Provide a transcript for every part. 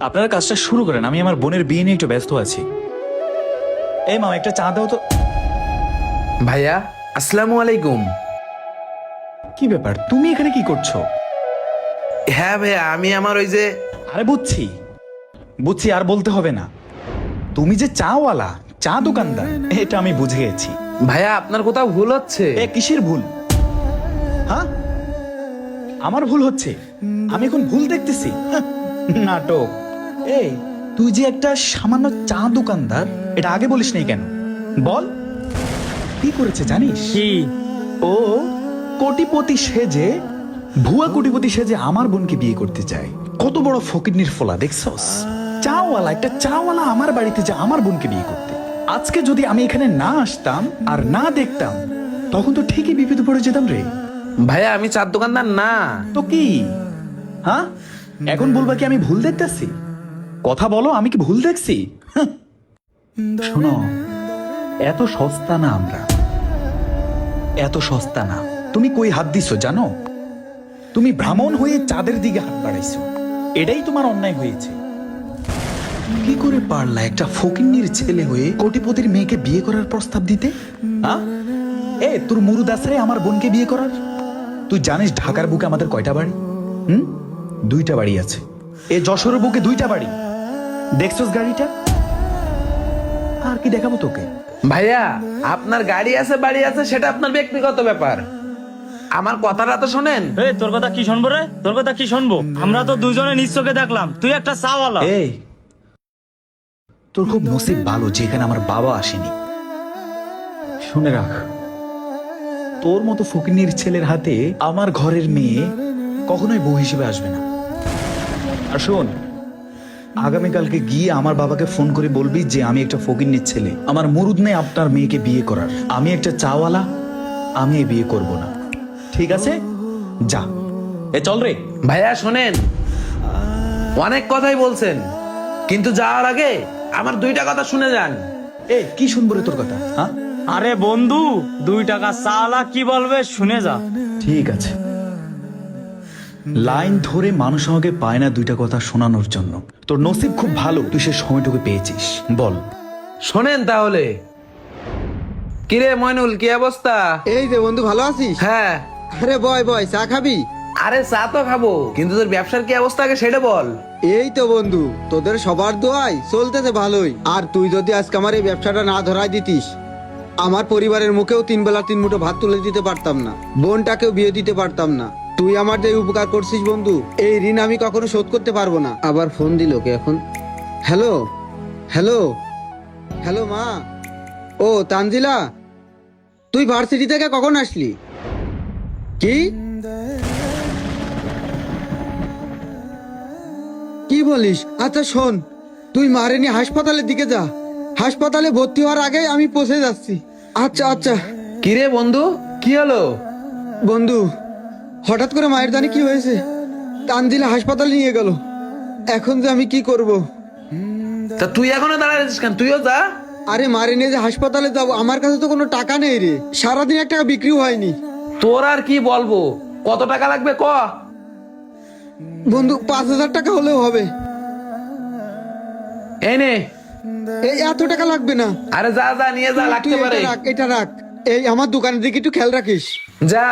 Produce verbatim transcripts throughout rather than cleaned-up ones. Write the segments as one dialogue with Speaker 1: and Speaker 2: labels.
Speaker 1: আপনারা কাজটা শুরু করেন, আমি আমার বোনের বিয়ে নিয়ে একটু ব্যস্ত আছি। এই মা, একটা চা দাও তো।
Speaker 2: ভাইয়া আসসালামু আলাইকুম।
Speaker 1: কি ব্যাপার, তুমি এখানে কি করছো?
Speaker 2: হ্যাঁ ভাইয়া, আমি আমার ওই যে
Speaker 1: আরে বুঝছি বুঝছি, আর বলতে হবে না। তুমি যে চাওয়ালা, চা দোকানদার, এটা আমি বুঝে গেছি।
Speaker 2: ভাইয়া আপনার কোথাও ভুল হচ্ছে।
Speaker 1: এ কিসের ভুল? হ্যাঁ, আমার ভুল হচ্ছে? আমি এখন ভুল দেখতেছি? হাহ, নাটক। এই, তুই যে একটা সামান্য চা দোকানদার, এটা আগে বলিস নাই কেন? বল, কি করেছে জানিস?
Speaker 3: কি?
Speaker 1: ও কোটিপতি সেজে, ভুয়া কোটিপতি সেজে আমার বোনকে বিয়ে করতে চায়। কত বড় ফকিরনির ফলা দেখছস? চাওয়ালা, একটা চাওয়ালা আমার বাড়িতে যে আমার বোনকে বিয়ে করতে। আজকে যদি আমি এখানে না আসতাম আর না দেখতাম, তখন তো ঠিকই বিপদে পড়ে যেতাম রে।
Speaker 2: ভাইয়া আমি চার দোকানদার না।
Speaker 1: তো কি? হ্যাঁ, এখন বলবা কি আমি ভুল দেখতেছি? কথা বলো, আমি কি ভুল দেখছি? হাহ। শোনো, এত সস্তা না আমরা, এত সস্তা না। তুমি কই হাত দিছো জানো? তুমি ব্রাহ্মণ হয়ে চাঁদের দিকে হাত বাড়াইছো, এটাই তোমার অন্যায় হয়েছে। কি করে পারলা একটা ফকিন্নির ছেলে হয়ে কোটিপতির মেয়েকে বিয়ে করার প্রস্তাব দিতে? হ্যাঁ, এ তোর মুরুদ আছে আমার বোনকে বিয়ে করার? তুই জানিস ঢাকার বুকে আমাদের কয়টা বাড়ি? হুম, দুইটা বাড়ি আছে। এ যশোরের বুকে দুইটা বাড়ি। দেখছস গাড়িটা? আর কি দেখাবো তোকে?
Speaker 2: ভাইয়া আপনার গাড়ি আছে বাড়ি আছে সেটা আপনার ব্যক্তিগত ব্যাপার, আমার কথাটা তো শোনেন।
Speaker 3: এই তোর কথা কি শুনবো রে? তোর কথা কি শুনবো? আমরা তো দুজনে নিজ চোখে দেখলাম তুই একটা চাওয়ালা।
Speaker 1: এই, তোর খুব নসিব ভালো যেখানে আমার বাবা আসেনি। শুনে রাখ, তোর মতো ফকিনীর ছেলের হাতে আমার ঘরের মেয়ে কখনোই বউ হিসেবে আসবে না। আর শোন, আগামীকালকে গিয়ে আমার বাবাকে ফোন করে বলবি যে আমি একটা ফকিনীর ছেলে, আমার মুরুদ নেই আপনার মেয়েকে বিয়ে করার। আমি একটা চাওয়ালা, আমি এই বিয়ে করব না। ঠিক আছে, যা। এ চল রে।
Speaker 2: ভাইয়া শোনেন, অনেক কথাই বলছেন, কিন্তু যাওয়ার আগে আমার দুইটা কথা শুনে যান।
Speaker 1: এ কি শুনবো রে তোর কথা? হ্যাঁ,
Speaker 3: আরে বন্ধু, দুই টাকা চাওয়ালা কি বলবে শুনে যা।
Speaker 1: ঠিক আছে। লাইন ধরে মানুষ আমাকে পায় না দুইটা কথা শোনানোর জন্য। তোর নসিব খুব ভালো, তুই সে সময়টুকু পেয়েছিস। বল।
Speaker 2: শোনেন তাহলে। কিরে ময়নুল, কি অবস্থা?
Speaker 4: এই যে বন্ধু, ভালো আছিস?
Speaker 2: হ্যাঁ।
Speaker 4: আরে বয় বয়, চা খাবি?
Speaker 2: আরে চা তো খাবো, কিন্তু তোর ব্যবসার কি অবস্থা আগে সেটা বল।
Speaker 4: এই তো বন্ধু, তোদের সবার দোয়ায় চলতেছে ভালোই। আর তুই যদি আজকে আমার এই ব্যবসাটা না ধরাই দিতিস, আমার পরিবারের মুখেও তিন বেলা তিন মুঠো ভাত তুলে দিতে পারতাম না, বোনটাকেও বিয়ে দিতে পারতাম না। তুই আমার যে উপকার করছিস বন্ধু, এই ঋণ আমি কখনো শোধ করতে পারবো না। আবার ফোন দিল কে এখন? হ্যালো হ্যালো হ্যালো মা। ও তানজিলা, তুই ভার্সিটি থেকে কখন আসলি? কি কি বলিস? আচ্ছা শোন, তুই মারে নিয়ে হাসপাতালের দিকে যা, হাসপাতালে ভর্তি হওয়ার আগে আমি পৌঁছে যাচ্ছি। আচ্ছা আচ্ছা।
Speaker 2: কিরে বন্ধু, কি হলো?
Speaker 4: বন্ধু, হঠাৎ করে মায়ের জানি কি হয়েছে, তানজিলা হাসপাতালে নিয়ে গেল। এখন যে আমি কি করব?
Speaker 2: তা তুই এখনো দাঁড়ায় আছিস কেন? তুইও যা।
Speaker 4: আরে মারে নিয়ে যে হাসপাতালে যাবো, আমার কাছে তো কোনো টাকা নেই রে, সারাদিন এক টাকা বিক্রিও হয়নি।
Speaker 2: তোর আর কি বলবো, কত টাকা লাগবে ক?
Speaker 4: বন্ধু, পাঁচ হাজার টাকা হলেও হবে।
Speaker 2: এই নে।
Speaker 4: এই এত টাকা লাগবে না।
Speaker 2: আরে যা যা নিয়ে যা,
Speaker 4: তুই
Speaker 2: লাগতে
Speaker 4: এটা
Speaker 2: পারে।
Speaker 4: রাখ, এটা রাখ। এই আমার দোকানের দিকে একটু খেয়াল রাখিস।
Speaker 2: যা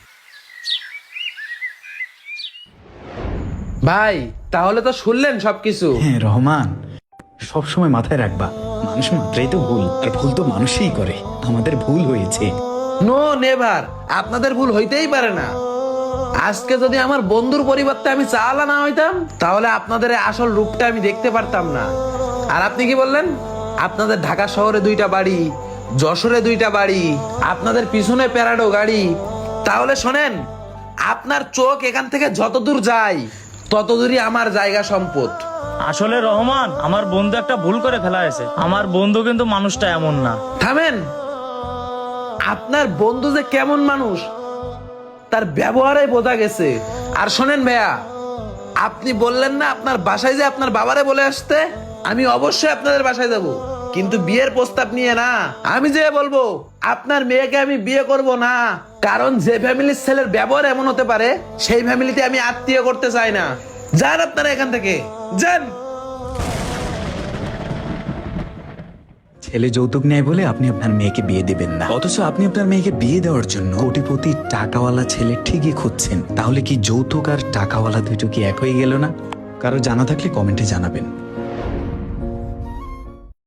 Speaker 2: ভাই, তাহলে তো শুনলেন সবকিছু।
Speaker 1: হ্যাঁ রহমান, সবসময় মাথায় রাখবা, মানুষ মাত্রাই তো ভুল, আর ভুল তো মানুষই করে। আমাদের ভুল হয়েছে।
Speaker 2: নো নেভার, আপনাদের ভুল হইতেই পারে না। আজকে যদি আমার বন্ধুর পরিবর্তে আমি চাওয়ালা না হইতাম, তাহলে আপনাদের এই আসল রূপটা আমি দেখতে পারতাম না। আর আপনি কি বললেন? আপনাদের ঢাকা শহরে দুইটা বাড়ি, যশোরে দুইটা বাড়ি, আপনাদের পিছনে প্যারাডো গাড়ি। তাহলে শোনেন, আপনার চোখ এখান থেকে যত দূর যায় তত দূরই আমার জায়গা সম্পদ।
Speaker 3: আসলে রহমান, আমার বন্ধু একটা ভুল করে ফেলা হয়েছে। আমার বন্ধু কিন্তু মানুষটা এমন না।
Speaker 2: থামেন। আপনার বন্ধু যে কেমন মানুষ তার ব্যবহারে বোঝা গেছে। আর শোনেন ভাইয়া, আপনি বললেন না আপনার বাসায় যে আপনার বাবারে বলে আসতে, আমি অবশ্যই আপনাদের বাসায় যাব, কিন্তু বিয়ের প্রস্তাব নিয়ে না। আমি যে বলবো আপনার মেয়েকে আমি বিয়ে করব না, কারণ যে ফ্যামিলির ছেলের ব্যবহার এমন হতে পারে সেই ফ্যামিলিতে আমি আত্মীয় করতে চাই না। যান আপনারা এখান থেকে, যান।
Speaker 1: ছেলে যৌতুক নেয় বলে আপনি আপনার মেয়েকে বিয়ে দিবেন না, অথচ আপনি আপনার মেয়েকে বিয়ে দেওয়ার জন্য কোটিপতি টাকাওয়ালা ছেলে ঠিকই খুঁজছেন। তাহলে কি যৌতুক আর টাকাওয়ালা দুটো কি এক হয়ে গেল না? কারো জানা থাকলে কমেন্টে জানাবেন।